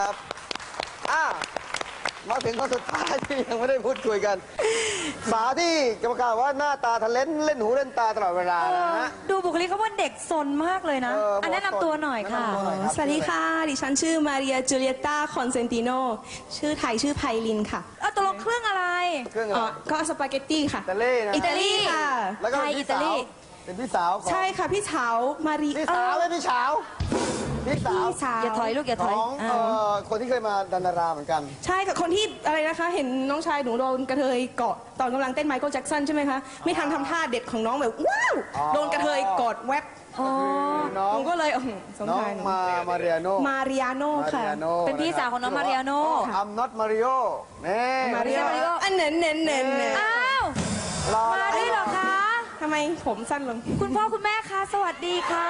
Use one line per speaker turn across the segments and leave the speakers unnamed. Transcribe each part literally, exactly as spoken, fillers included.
ครับอ่ามาถึงคนสุดท้ายที่ยังไม่ได้พูดคุยกันสาวที่กรรมการว่าหน้าตาทะเลนเล่นหูเล่นตาตลอดเวลานะฮะ
ดูบุคลิกเขาว่าเด็กซนมากเลยนะ อันแนะนำตัวหน่อยค่ะ
สวัสดีค่ะ ดิฉันชื่อมาเรียจูเลียต้าคอนเซนติโนชื่อไทยชื่อไพลินค่ะ
เอาตกลงเครื่องอะไร
เครื่องอะ
อ๋
ไร
อก็สปาเกตตี้ค่ะ
อิตาลีนะ
อิตาลีค่ะ
แล้วก็
ไทย
เป็น
อิ
พี่
ตา
สา
ลี
วเป็นพี่สาวของ
ใช่ค่ะ พี่เฉามารี
พี่สาวไม่พี่สาวพี่สาว
พี่สาว
อย่าถอยลูกอย่าถ
ข
อย
องเอ่อคนที่เคยมาดันดาราเหมือนกัน
ใช่ค่ะ คนที่อะไรนะคะ เห็นน้องชายหนูโดนกระเทยเกาะตอนกำลังเต้นไมเคิลแจ็คสันใช่ไหมคะ ไม่ทันทำท่าเด็ดของน้องแบบว้าว โดนกระเทยกอดแวบ
อ๋อ
น้อ
ห
ง
นูก็เลยอื้อหือสง
น้อง
สารหนู
มามาเรียโน
มาริอาโน
มา
ค่ะ
เรียโน
เป็นพี่สาวของน้องมาริอาโน่
อัมน็อตมาริโอนี่
มาริอาโนอันเน้นเน้นเน้นเน้น
อ้าว
รอ
มาด้วยเหรอคะ
ทำไมผมสั้นลง
คุณพ่อคุณแม่คะสวัสดีค่ะ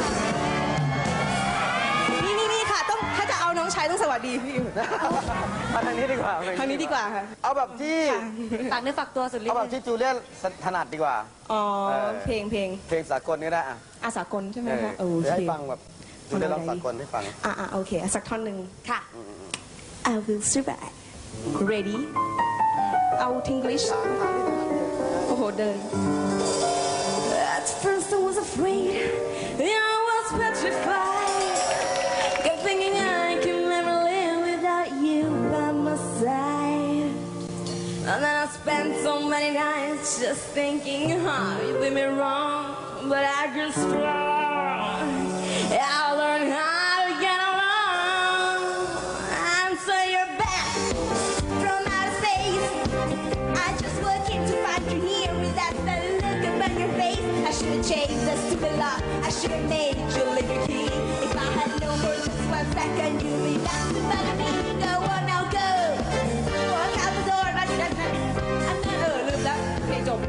นี่นี่นี่ค่ะ ต้องถ้าจะเอาน้องชายต้องสวัสดีพี่
มาทางนี้ดีกว่า
ทางนี้ดีกว่าค่ะ
เอาแบบที่
ฝากเนื้อฝากตัวสุดฤท
เอาแบบ
ธิ์
ที่จูเลียนถนัดดีกว่า
อ๋อ
เออ
เพลงเพลง
เพลงสากลนี่ได้อ่ะ
อาสากลใช่ไหม
เออ
คะโอ
เดี๋ยว
เค
ให้ฟังแบบจูเลียนร้องสากลให้ฟัง
อ่าอ่าโอเคอ่ะสักท่อนหนึ่ง
ค่ะ
I will survive ready เอา English โอ้โหเดิน At first I was afraid I was petrified kept thinking I can never live without you by my side and then I spent so many nights just thinking how you did me wrong but I grew strong I learned how to get along and so you're back from outer space I just walked in to find you here with that look upon your face I should have changed the stupid lock I should have made you leave your key if I had known for just one second you'd be back to follow me go on now go walk out the door but that's not I'm not เออลืมแล้วเพลงจบ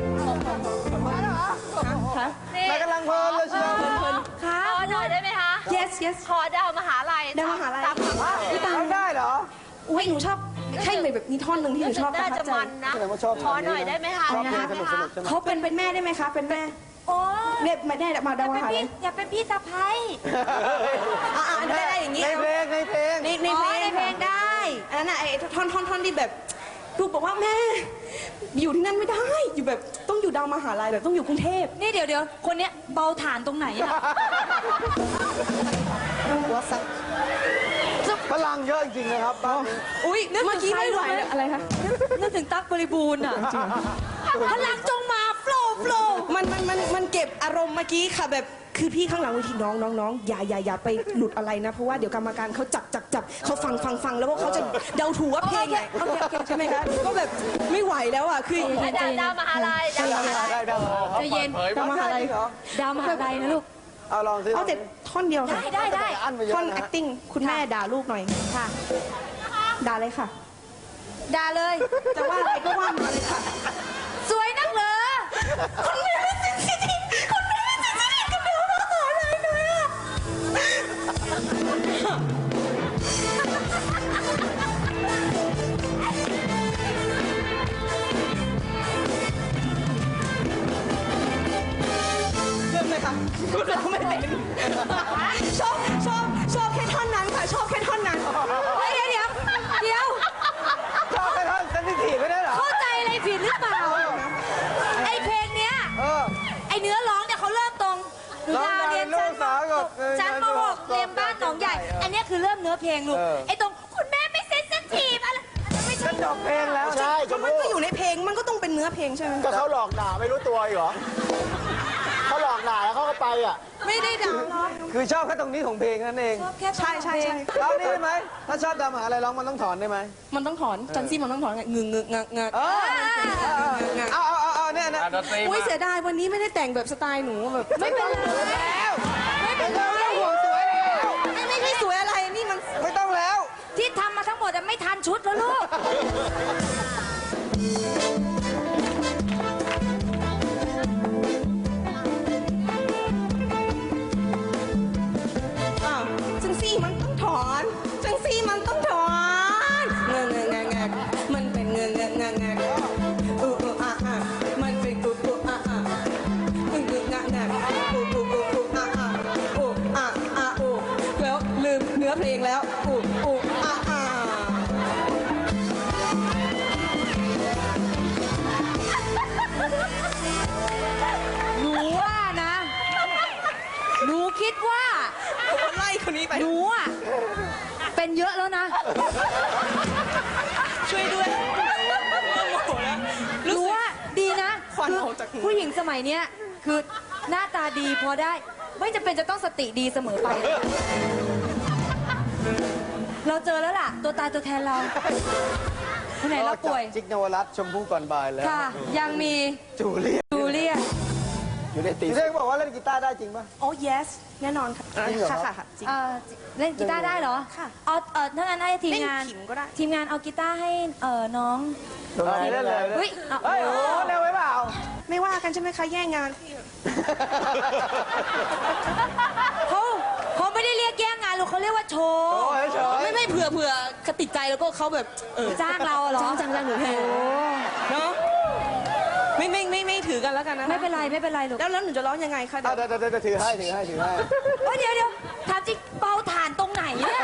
ฮะ
นายกำลังเพลินเลยเชียว
ค่ะ
ขอหน่อยได้ไหมคะ
yes yes
ขอดาวมหาลัย
ดาวมหาลัย
ตามคำว่า
ร้องได้เหรอ
อุ้ยหนูชอบให้แบบมีท่อนหนึ่งที่หนูชอบประ
น่า
ทั
จะ
บใจ
มันนะ
แสดงว่าชอบ
ขอหน่อยได้ไหมคะ
ชอบเพลง
ได้
ส
ไหม
นุก
คะ
สนุกใช่ไหม
เขาเป็นเป็นแม่ได้ไหมคะเป็นแม่
โอ้
เรียกมาแม่มาดาวมหาลัย
อย่าเป็นพี่สะพ้าย
อ่าได้ได้อย่างงี้
ในเพลงในเพลง
ในใน
อ๋อ
เพลง
ในเพลงได้
อันนั้นน่ะไอ้ท่อนท่อนท่อนที่แบบลูกบอกว่าแม่ อยู่ที่นั่นไม่ได้ อยู่แบบต้องอยู่ดาวมหาลัยแบบต้องอยู่กรุงเทพ
นี่เดี๋ยวเดี๋ยวคนเนี้ยเบาฐานตรงไหนอะ
หัวสัก
พลังเยอะจริงๆนะครับบ้านนี้
อุ้ยเมื่อกี้ไม่ไหวเลยอะไรคะ
นึกถึงตั๊กบริบูรณ์อะพลังจงมาโฟล์โฟล์
มันมันมันมันเก็บอารมณ์เมื่อกี้ค่ะแบบคือพี่ข้างหลังเวทีน้องน้องน้องอย่าอย่าอย่าไปหลุดอะไรนะ เพราะว่าเดี๋ยวกรรมการเขาจับจับจับเขาฟังฟังฟังแล้วว่าเขาจะเดาถูกว่าเพลงไหนโอเคโอเคใช่ไหมคะก็แบบไม่ไหวแล้วอ่ะคือ
ดาวดาวมหาลัยดาวมหาลัย
ได้ได้
ใจะเย็น
ดาวมหาลัย
เหรอ
ดาวมหาลัยนะลูก
เอาลองสิ
เอาแต่ท่อนเดียวค่ะ
ได้ได้ได้
อันไปเยอะ
ท่อน
นะ
acting คุณแม่ด่าลูกหน่อย
ค่ะ
ด่าเลยค่ะ
ด่าเลย
จะว่าอะไรก็ว่ามาเลยค่ะ
สวยนักเหรอ
คุณแม่ไม่เซนซิทีฟคุณแม่ไม่เซนซิทีฟกับเดี๋ยวมาหาอะไรเลยอ่ะเริ่มเลยค่ะเราไม่เป็นชอบชอบชอบแค่ท่อนนั้นค่ะชอบแค่ท่อนนั้น
เดี๋ยวเดี๋ยวเดี๋ยว
ชอบไปท่อนเซนซิทีฟไม่ได้เหรอ
เข้าใจอะไรผิดหรือเปล่า ไอเพลงเนี้ย
เออ
ไอเนื้อร้องเนี่ยเขาเริ่มตรงหนู
ร้อง
ดาวเรียน
ลู
ชั้
ก
น
สาวกับ
ชั้นมหกเรียนบ้านหนองใหญ่ อันเนี้ยคือเริ่มเนื้อเพลงลูก
เออ
ไอตรงคุณแม่ไม่เซนซิทีฟอะไรอันนั้นไม่ใช่
ก็จบเพลงแล้ว
ใช่ช
ก็
ม
มัน
พู่
ก็อยู่ในเพลงมันก็ต้องเป็นเนื้อเพลงใช่ไหม
ก็เขาหลอกด่าไม่รู้ตัวอีกเหรอเขาหลอกด่าแล้วเขาก็ไปอ่ะ
ไม่ได้ด่าหรอก
คือชอบแค่ตรงนี้ของเพลงนั่นเอง
ชอบแค่
ใช่ใช่ใช่
ร้องนี่ได้ไหมถ้าชอบดำหาอะไรร้องมันต้องถอนได้ไหม
มันต้องถอนจันซี่มันต้องถอนไงงึงงึงงักงัก
เออเอาเอาเอาเอาเนี่ยนะ
อุ้ยเสียดายวันนี้ไม่ได้แต่งแบบสไตล์หนูแบบ
ไม่ต้องแล้ว
ไม่เป็นไร
ไม่ต้องห่วงสวยแล้ว
ไม่ไม่ไม่สวยอะไรนี่มัน
ไม่ต้องแล้ว
ที่ทำมาทั้งหมดอะไม่ทันชุดแล้วลูก
อ้าวจังซี่มันต้องถอนจังซี่มันต้องถอนเงงเงงเงงเงงมันเป็นเงงเงงเงงเงงอืออืออ่ะอ่ะมันเป็นอืออืออ่ะอ่ะงึงงึงงะงะอืออืออืออืออ่ะอ่ะอืออ่ะอ่ะอือแล้วลืมเนื้อเพลงแล้วอืออืออ่ะ
เป็นเยอะแล้วนะ
ช่วยด้วยโมโหแล้ว
รู้ว่าดีนะ
ควัน
คือ
ออกจากหู
ผู้หญิงสมัยเนี้ยคือหน้าตาดีพอได้ ไม่จำเป็นจะต้องสติดีเสมอไป เราเจอแล้วล่ะ ตัวตายตัวแทนเราคนไหนเราป่วย
จิกนวรัตน์ชมพู่ก่อนบ่ายแล้ว
ค่ะ ยังมี
จูเลีย
จูเลียน
อยู่ในตี
จูเลียบอกว่าเล่นกีตาร์ได้จริงป่ะ
โอ้ yes แน่นอนค่ะ
จริงเหรอ
ค่ะค่ะค่ะจริง
เอ่อเล่นกีตาร์ได้เหรอ
ค่ะ
เอาเออถ้างั้นให้ทีมงาน
เล่นขิมก็ได้
ทีมงานเอากีตาร์ให้เออน้อง
เล่นเลย
เฮ้ยเอา
เฮ้ยโอ้โหเร็วไปเปล่า
ไม่ว่ากันใช่ไหมคะแย่งงาน
เขาเขาไม่ได้เรียกแย่งงานหรอกเขาเรียกว่าโชว์
โอ้ยเฉย
ไม่ไม่เผื่อเผื่อเขาติดใจแล้วก็เขาแบบเออ
จ้างเราเหรอ
จ้างจ้างจ้างหนูแทน
โอ้
เนาะไม่ไม่ไม่ไม่ถือกันแล้วกันนะ
ไม่เป็นไรไม่เป็นไรลูก
แล้วแล้วหนูจะร้องยังไงคะเดี๋
อ่ะ
ยว
เดี๋ยวเดี๋ยวเดี๋ยวถือให้ถือให้ถือให้
เฮ้ยเดี๋ยวเดี๋ยวถามจริงเป่าถ่านตรงไหนเนี่ย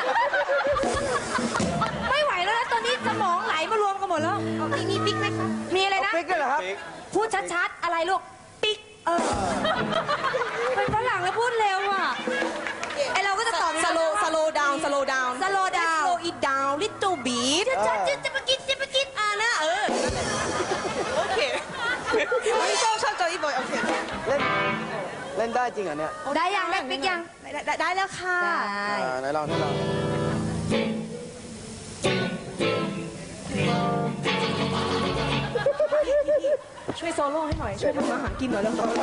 ไม่ไหวแล้วนะตอนนี้สมองไหลมารวมกันหมดแล้ว
มีมีปิ๊กไหมคะ
มีอะไรนะ
ปิ๊กด้วยเหรอครับ
พูดชัดๆ อะไรลูก ปิ๊ก เออ เป็นฝรั่งแล้วพูดเร็วอ่ะ ไอเราก็จะตอบ
สโลสโลดาวสโลดาว
slow down
slow it down little bit
จะจะจะไปกินจะไปกิน
อ่านะเออโอเคไม่ชอบชอบจอยบอยโอเค
เล่นเล่นได้จริงเหรอเนี่ย
ได้ยังได้ปิ๊กยัง
ได้ได้ได้แล้วค่ะ
ได้
อ่าไหนลองให้ลอง
ช่วยโซโล่ให้หน่อย ช่วยทำอาหารกินหน่อยแล้วโซโล่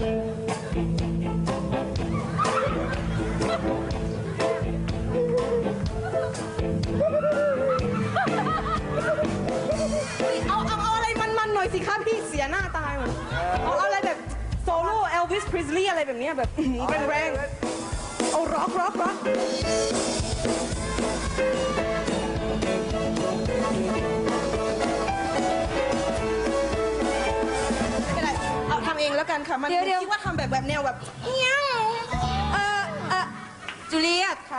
เอาเอาเอาอะไรมันๆหน่อยสิคะพี่เสียหน้าตายหมดเอาอะไรแบบโซโล่เอลวิสพริสลีย์อะไรแบบเนี้ยแบบแรงๆเอาร็อกร็อกร็อกไม่เป็นไรเอาทำเองแล้วกันค่ะ มัน
เดี๋ยวเดี๋ยว
คิดว่าทำแบบแบบแนวแบบเงี้ยว
เออเออจูเลียต
ค่ะ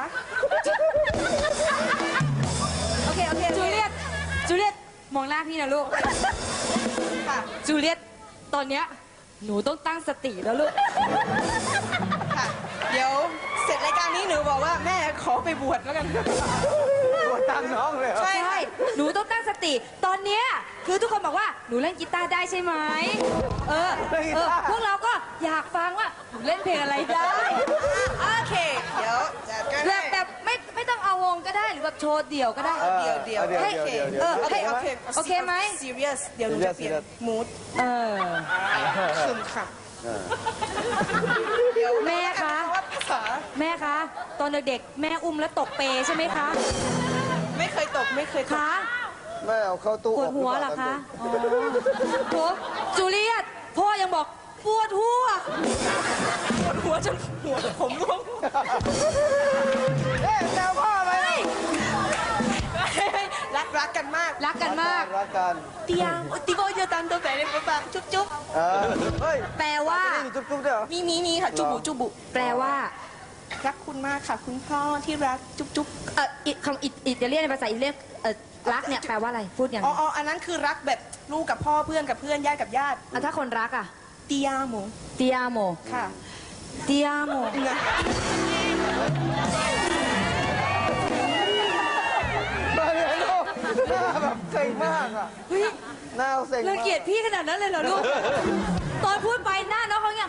โอเค โอเค จูเลียต จูเลียต มองหน้าพี่นะลูก
ค่ะ
จูเลียต ตอนเนี้ยหนูต้องตั้งสติแล้วลูก
ค่ะ เดี๋ยวเสร็จรายการนี้หนูบอกว่าแม่ขอไปบวชแล้วกัน
ปวดตั้งน้องเลยเหรอ
ใช่
ใช่ หนูต้องตั้งสติ ตอนเนี้ยคือทุกคนบอกว่าหนูเล่นกีตาร์ได้ใช่ไหม เออ เออ พวกเราก็อยากฟังว่าหนูเล่นเพลงอะไรได้
โอเค เดี๋ยวจัดกัน
แบบแบบไม่ไม่ต้องเอาวงก็ได้หรือแบบโชว์เดี่ยวก็ได้
ออ
เดี๋ยวเดี๋ยว
เดี๋ยว
ให้
เดี๋ยวเดี๋ยว
เออ
โอเค โอเค
โอเคไหม
serious เดี๋ยวหนูจะเปลี่ยน
serious
mood
เออ
ซึมค่ะ
แม่คะ
ว่าภาษา
แม่คะ ตอนเด็กๆแม่อุ้มแล้วตกเปรใช่ไหมคะ
ไม่เคยตกไม่เคยตก
คะ
แม่เอาเข้าตู้
ปวดหัวเหรอคะ อ๋อโหจูเลียต พ่อยังบอกปวดหัว
ปวดหัวจนหัวผมร่วง
เอ๊ะแซวพ่อไหม
รักรักกันมาก
รักกันมาก
รักกัน
เตียงติโบเยตันตัวแฝงในปากจุ๊บจุ๊บ
เออเฮ้ย
แปลว่า
จะได้มีจุ๊บๆด้วยเหรอ
มีมีมีค่ะ จุบุจุบุ
แปลว่า
รักคุณมากค่ะ คุณพ่อที่รักจุ๊บจุ๊บ
เอออิคำอิอิตาเลียนในภาษาอิตาเลียนเออรักเนี่ยแปลว่าอะไร พูดอย่าง
อ๋อ
ไร
อ๋ออันนั้นคือรักแบบลูกกับพ่อเพื่อนกับเพื่อนญาติกับญาติ
อ่ะถ้าคนรักอ่ะ
เตียโม
เตียโม
ค่ะ
เตียโม
นะ
มาเลยลูกหน้าแบบเซ็งมากอ่ะ
เฮ้ย
หน้าเซ็งมาก
รังเกียจพี่ขนาดนั้นเลยเหรอลูก ตอนพูดไปหน้าน้องเขาเนี่ย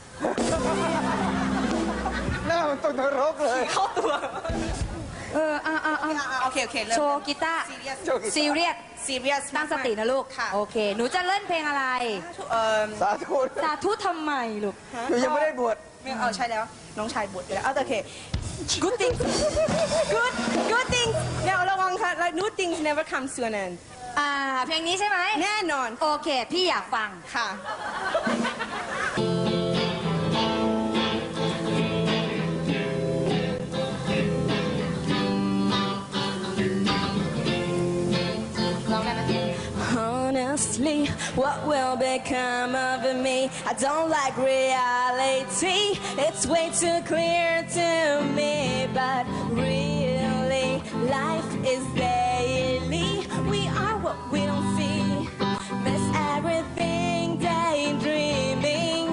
หน้ามันตกนรกเลย
เข้าตัว
เอออ่ะอ่ะอ่ะ
อ่ะโอเคโอเคเริ่ม
โชว์กีตาร์
serious
โชว์กีตาร์
ซีเรียส
serious
ตั้งสตินะลูก
ค่ะ
โอเค หนูจะเล่นเพลงอะไร
เอ่อ
สาธุ
สาธุทำไมลูก
หนูยังไม่ได้บวช
ไม่เอาใช่แล้ว น้องชายบวชไปแล้วเอาแต่โอเค good things good good things เนี่ยระวังค่ะ like good things never come to an end
อ่า เพลงนี้ใช่ไหม
แน่นอน
โอเค พี่อยากฟัง
ค่ะ
ลองได้ไหม
Honestly, what will become of me? I don't like reality. It's way too clear to me. But really, life is daily. We are what we don't see. Miss everything, daydreaming.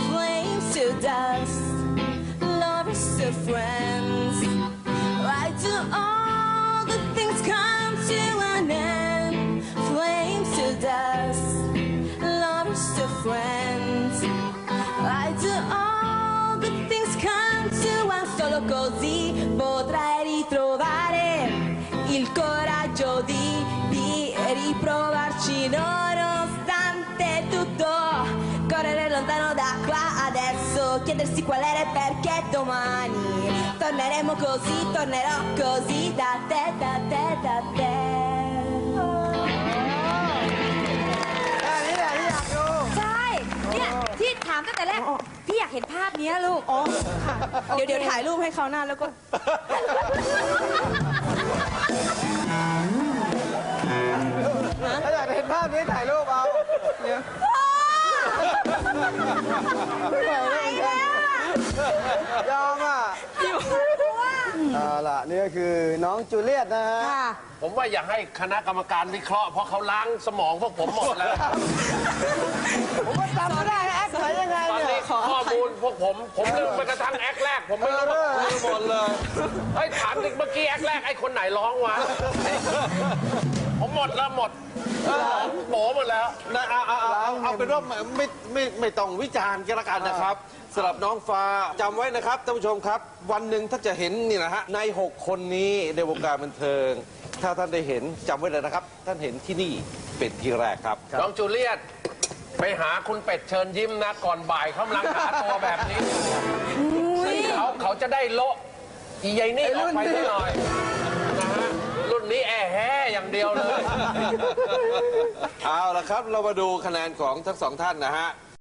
Flames to dust, lovers to friends. Why do all the things come to an end, flames to dust, lovers to friends. I do all the things come to an solo così potrai ritrovare il coraggio di, di riprovarci nonostante tutto. Correre lontano da qua adesso, chiedersi qual era e perché domani torneremo così, tornerò così da te, da te, da te.
แค่นี้แหละที่อยากดู
ใช่ เนี่ย ที่ถามตั้งแต่แรก พี่อยากเห็นภาพเนี้ยลูก
อ๋อค่ะเดี๋ยวเดี๋ยวถ่ายรูปให้เขาหน้าแล้วก็
ถ้าอยากเห็นภาพนี้ถ่ายรูปเอาเนี่ยไม่ไหวแล้วเหมือนกันยอมอ่ะเอาล่ะนี่ก็คือน้องจูเลียตนะฮะ
ค่ะ
ผมว่าอย่าให้คณะกรรมการวิเคราะห์เพราะเขาล้างสมองพวกผมหมดแล้ว
ผมก็จำไม่ได้แอคไหนยังไง
ตอน
เนี่
นี้
ย
ข้อมูลพวกผม ผมลืมไปกระทั่งแอคแรก ผมไม่รู้ว่าลืมหมดเลยเฮ้ยถามดิเมื่อกี้แอคแรกไอ้คนไหนร้องวะ ผมหมดแล้วหมดโหหมดแล้ว
นะเอาเอาเอาเอาเอาเป็นว่าไม่ไม่ไม่ไม่ต้องวิจารณ์กันละกันนะครับสำหรับน้องฟ้าจำไว้นะครับท่านผู้ชมครับ วันหนึ่งถ้าจะเห็นนี่นะฮะในหกคนนี้ในวงการบันเทิง ถ้าท่านได้เห็นจำไว้เลยนะครับ ท่านเห็นที่นี่เป็นที่แรกครับ
น้องจูเลียตไปหาคุณเป็ดเชิญยิ้มนะ ก่อนบ่ายเขากำลังหาตัวแบบนี้ซึ่งเขาเขาจะได้โละอีใยนี่ออกไปสักหน่อยนะฮะรุ่นนี้แอแห่อย่างเดียวเลย
เอาละครับเรามาดูคะแนนของทั้งสองท่านนะฮะ